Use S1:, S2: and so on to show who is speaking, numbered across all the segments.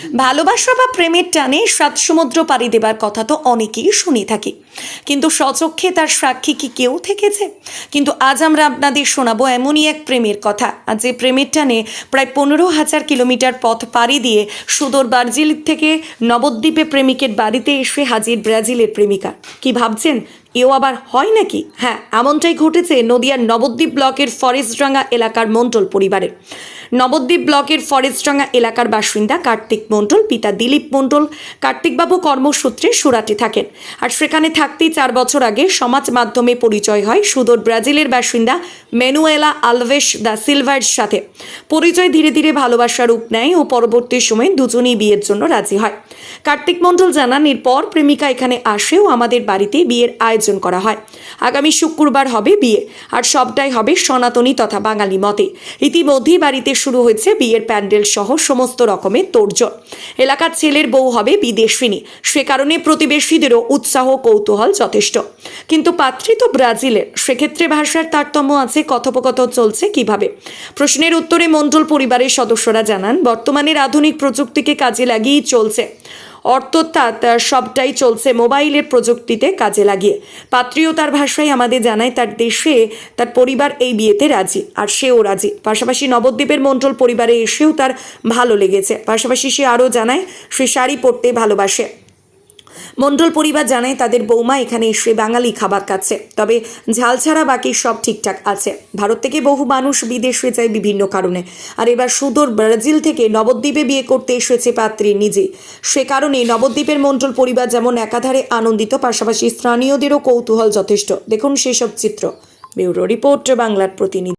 S1: ভালোবাসা বা প্রেমের টানে সাত সমুদ্র পাড়ি দেবার কথা তো অনেকেই শুনে থাকি, কিন্তু স্বচক্ষে তার সাক্ষী কি কেউ থেকেছে? কিন্তু আজ আমরা আপনাদের শোনাবো এমনই এক প্রেমের কথা, আর যে প্রেমের টানে প্রায় 15,000 কিলোমিটার পথ পাড়ি দিয়ে সুদূর ব্রাজিল থেকে নবদ্বীপে প্রেমিকের বাড়িতে এসে হাজির ব্রাজিলের প্রেমিকা। কি ভাবছেন, এও আবার হয় নাকি? হ্যাঁ, এমনটাই ঘটেছে নদিয়ার নবদ্বীপ ব্লকের ফরেস্টডাঙ্গা এলাকার মণ্ডল পরিবারের। নবদ্বীপ ব্লকের ফরেস্টডাঙ্গা এলাকার বাসিন্দা কার্তিক মণ্ডল, পিতা দিলীপ মণ্ডল। কার্তিকবাবু কর্মসূত্রে সুরাটে থাকেন, আর সেখানে থাকতেই 4 বছর আগে সমাজ মাধ্যমে পরিচয় হয় সুদূর ব্রাজিলের বাসিন্দা ম্যানুয়েলা আলভেস দা সিলভার সাথে। পরিচয় ধীরে ধীরে ভালোবাসার রূপ নেয় ও পরবর্তী সময়ে দুজনেই বিয়ের জন্য রাজি হয়। কার্তিক মণ্ডল জানান, এরপর প্রেমিকা এখানে আসেও আমাদের বাড়িতে বিয়ের আয়োজন করা হয়। আগামী শুক্রবার হবে বিয়ে, আর সবটাই হবে সনাতনী তথা বাঙালি মতে। ইতিমধ্যেই বাড়িতে শুরু হয়েছে বিয়ের প্যান্ডেল সহ সমস্ত রকমের তোড়জোড়। এলাকার ছেলের বউ হবে বিদেশিনী, সে কারণে প্রতিবেশীদেরও উৎসাহ কৌতূহল যথেষ্ট। কিন্তু পাত্রী তো ব্রাজিলের, সেক্ষেত্রে ভাষার তারতম্য আছে। কথোপকথন চলছে কিভাবে? প্রশ্নের উত্তরে মণ্ডল পরিবারের সদস্যরা জানান, বর্তমানের আধুনিক প্রযুক্তিকে কাজে লাগিয়েই চলছে। অর্থাৎ সবটাই চলছে মোবাইলের প্রযুক্তিতে কাজে লাগিয়ে। পাত্রীও তার ভাষায় আমাদের জানায় তার দেশে তার পরিবার এই বিয়েতে রাজি, আর সেও রাজি। পাশাপাশি নবদ্বীপের মণ্ডল পরিবারে এসেও তার ভালো লেগেছে। পাশাপাশি সে আরও জানায় সে শাড়ি পরতে ভালোবাসে। মণ্ডল পরিবার জানায় তাদের বৌমা এখানে এসে বাঙালি খাবার খাচ্ছে, তবে ঝাল ছাড়া বাকি সব ঠিকঠাক আছে। ভারত থেকে বহু মানুষ বিদেশে যায় বিভিন্ন কারণে, আর এবার সুদূর ব্রাজিল থেকে নবদ্বীপে বিয়ে করতে এসেছে পাত্রী নিজে। সে কারণে নবদ্বীপের মণ্ডল পরিবার যেমন একাধারে আনন্দিত, পাশাপাশি স্থানীয়দেরও কৌতূহল যথেষ্ট। দেখুন সেসব চিত্র। ব্যুরো রিপোর্ট, বাংলার প্রতিনিধি।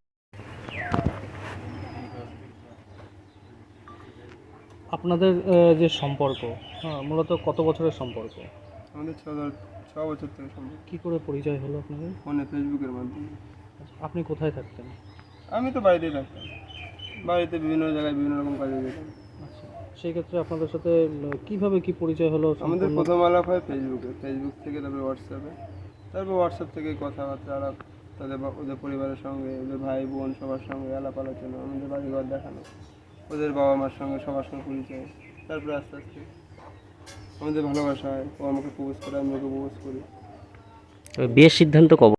S2: আপনাদের যে সম্পর্ক, হ্যাঁ, মূলত কত বছরের সম্পর্ক?
S3: আমাদের 6 বছর থেকে সম্ভব।
S2: কি করে পরিচয় হলো আপনাদের?
S3: ফোনে, ফেসবুকের মাধ্যমে।
S2: আপনি কোথায় থাকতেন?
S3: আমি তো বাড়িতেই থাকতাম, বাড়িতে বিভিন্ন জায়গায় বিভিন্ন রকম কাজে যেতাম।
S2: আচ্ছা, সেই ক্ষেত্রে আপনাদের সাথে কিভাবে কি পরিচয় হলো?
S3: আমাদের প্রথম আলাপ হয় ফেসবুকে, ফেসবুক থেকে তারপরে হোয়াটসঅ্যাপে, তারপর হোয়াটসঅ্যাপ থেকে কথাবার্তা আলাপ, ওদের পরিবারের সঙ্গে, ওদের ভাই বোন সবার সঙ্গে আলাপ আলোচনা, আমাদের বাড়িঘর দেখানো, ওদের বাবা মার সঙ্গে সবার সঙ্গে পরিচয়। তারপরে আস্তে আস্তে আমাদের ভালোবাসা হয়, ও আমাকে প্রপোজ করে, আমি ওকে প্রপোজ করি।
S4: বিয়ের সিদ্ধান্ত কবে?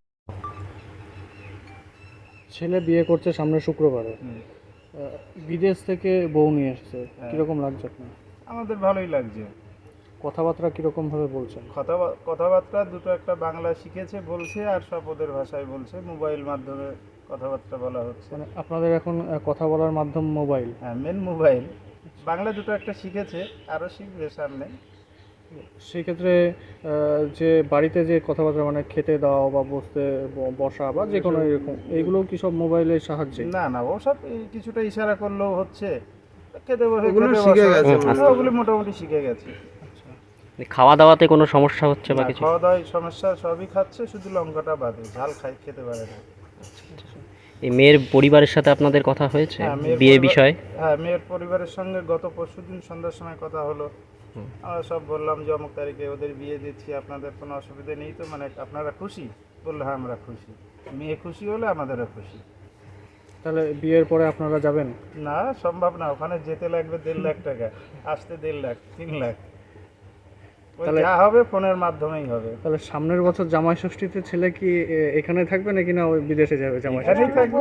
S2: ছেলে বিয়ে করছে সামনে শুক্রবারে। বিদেশ থেকে বউ নিয়ে এসেছে, কিরকম লাগছে আপনার?
S5: আমাদের ভালোই লাগছে।
S2: কথাবার্তা কিরকম ভাবে বলছেন?
S5: কথাবার্তা দুটো একটা বাংলা শিখেছে বলছে, আর সব ওদের ভাষায় বলছে। মোবাইল মাধ্যমে কথাবার্তা বলা হচ্ছে।
S2: মানে আপনাদের এখন কথা বলার মাধ্যম মোবাইল?
S5: হ্যাঁ, মেন মোবাইল। বাংলা দুটো একটা শিখেছে, আরও শিখবে সামনে।
S2: সেই ক্ষেত্রে যে বাড়িতে যে কথাবার্তা, মানে খেতে দাও বা বসতে বসা বা যে কোনো এরকম, এইগুলো কি সব মোবাইলের সাহায্যে?
S5: না না, ওসব কিছুটা ইশারা করলেও হচ্ছে। খেতে বসে
S3: ওগুলো
S5: খেতে
S3: শিখে
S5: বসা,
S3: গেছে
S5: ওগুলো মোটামুটি শিখে গেছে।
S4: খাওয়া দাওয়াতে কোনো সমস্যা হচ্ছে বা
S5: না,
S4: কিছু?
S5: খাওয়া দাওয়ায় সমস্যা, সবই খাচ্ছে, শুধু লঙ্কাটা বাদে। ঝাল খেতে পারে না।
S4: এই মেয়ের পরিবারের সাথে আপনাদের কথা হয়েছে
S5: হ্যাঁ, মেয়ের
S4: বিয়ে
S5: পরিবার-
S4: বিষয়ে?
S5: হ্যাঁ, মেয়ের পরিবারের সঙ্গে গত পরশুদিন সন্ধ্যার সময় কথা হলো। আমরা সব বললাম যে অমুক তারিখে ওদের বিয়ে দিচ্ছি, আপনাদের কোনো অসুবিধা নেই তো? মানে আপনারা খুশি? বললো হ্যাঁ, আমরা খুশি। মেয়ে খুশি হলে আমাদেরও খুশি।
S2: তাহলে বিয়ের পরে আপনারা যাবেন?
S5: না, সম্ভব না। ওখানে যেতে লাগবে 1.5 লাখ টাকা, আসতে 1.5 লাখ, 3 লাখ। ওই
S2: তাহলে-
S5: যা হবে ফোনের মাধ্যমেই হবে।
S2: তাহলে সামনের বছর জামাই ষষ্ঠীতে ছেলে কি এখানে থাকবে নাকি না ওই বিদেশে যাবে জামাই ষষ্ঠী?
S5: এখানেই থাকবে।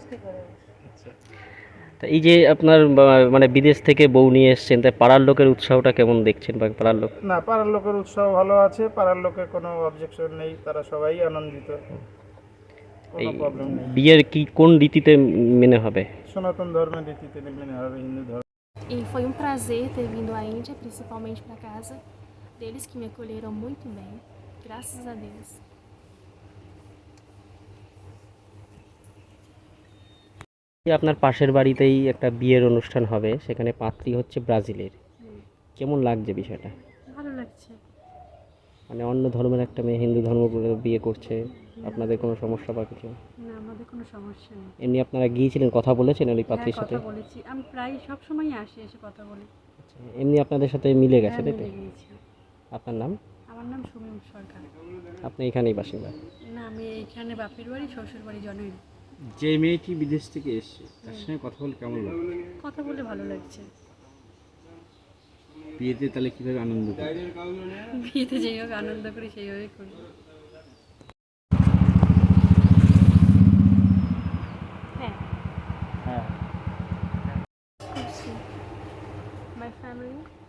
S4: তা এই যে আপনার মানে বিদেশ থেকে বউ নিয়ে এসেছেন, তাই পাড়ার লোকের উৎসাহটা কেমন দেখছেন? বা পাড়ার লোক?
S5: না, পাড়ার লোকের উৎসাহ ভালো আছে, পাড়ার লোকের কোনো অবজেকশন নেই, তারা সবাই আনন্দিত,
S4: এই
S5: কোনো প্রবলেম নেই।
S4: বিয়ের কি কোন রীতিতে মেনে হবে?
S5: সনাতন ধর্মের রীতিতে মেনে হবে, হিন্দু ধর্ম।
S6: E foi um prazer ter vindo à Índia, principalmente para casa deles que me acolheram muito bem. Graças a Deus.
S4: এই আপনার পাশের বাড়িতেই একটা বিয়ের অনুষ্ঠান হবে, সেখানে পাত্রী হচ্ছে ব্রাজিলের। কেমন লাগছে বিষয়টা?
S6: ভালো লাগছে।
S4: মানে অন্য ধর্মের একটা মেয়ে হিন্দু ধর্ম করে বিয়ে করছে, আপনাদের কোনো সমস্যা বা কিছু?
S7: না, আমাদের কোনো সমস্যা নেই।
S4: এমনি আপনারা গিয়েছিলেন, কথা বলেছেন ওই
S7: হ্যাঁ,
S4: পাত্রীর সাথে?
S7: কথা বলেছি। আমি প্রায় সব সময়ই আসি, এসে কথা বলি।
S4: এমনি আপনাদের সাথে মিলে গেছে,
S7: হ্যাঁ,
S4: তাই তো?
S7: মিলে গিয়েছি।
S4: আপনার নাম?
S7: আমার নাম সুমিম সরকার।
S4: আপনি এখানেই বাসিন্দা?
S7: না, আমি এইখানে বাপের বাড়ি, শ্বশুর বাড়ি জনই।
S8: যে মেয়েটি বিদেশ থেকে এসেছে তার সঙ্গে কথা বলে কেমন লাগে?
S7: কথা বলে ভালো লাগছে।
S8: বিয়েতে তাহলে কিভাবে আনন্দ করবে?
S7: বিয়েতে যেই হোক আনন্দ করি সেইভাবেই করি।
S6: É. Curti. My family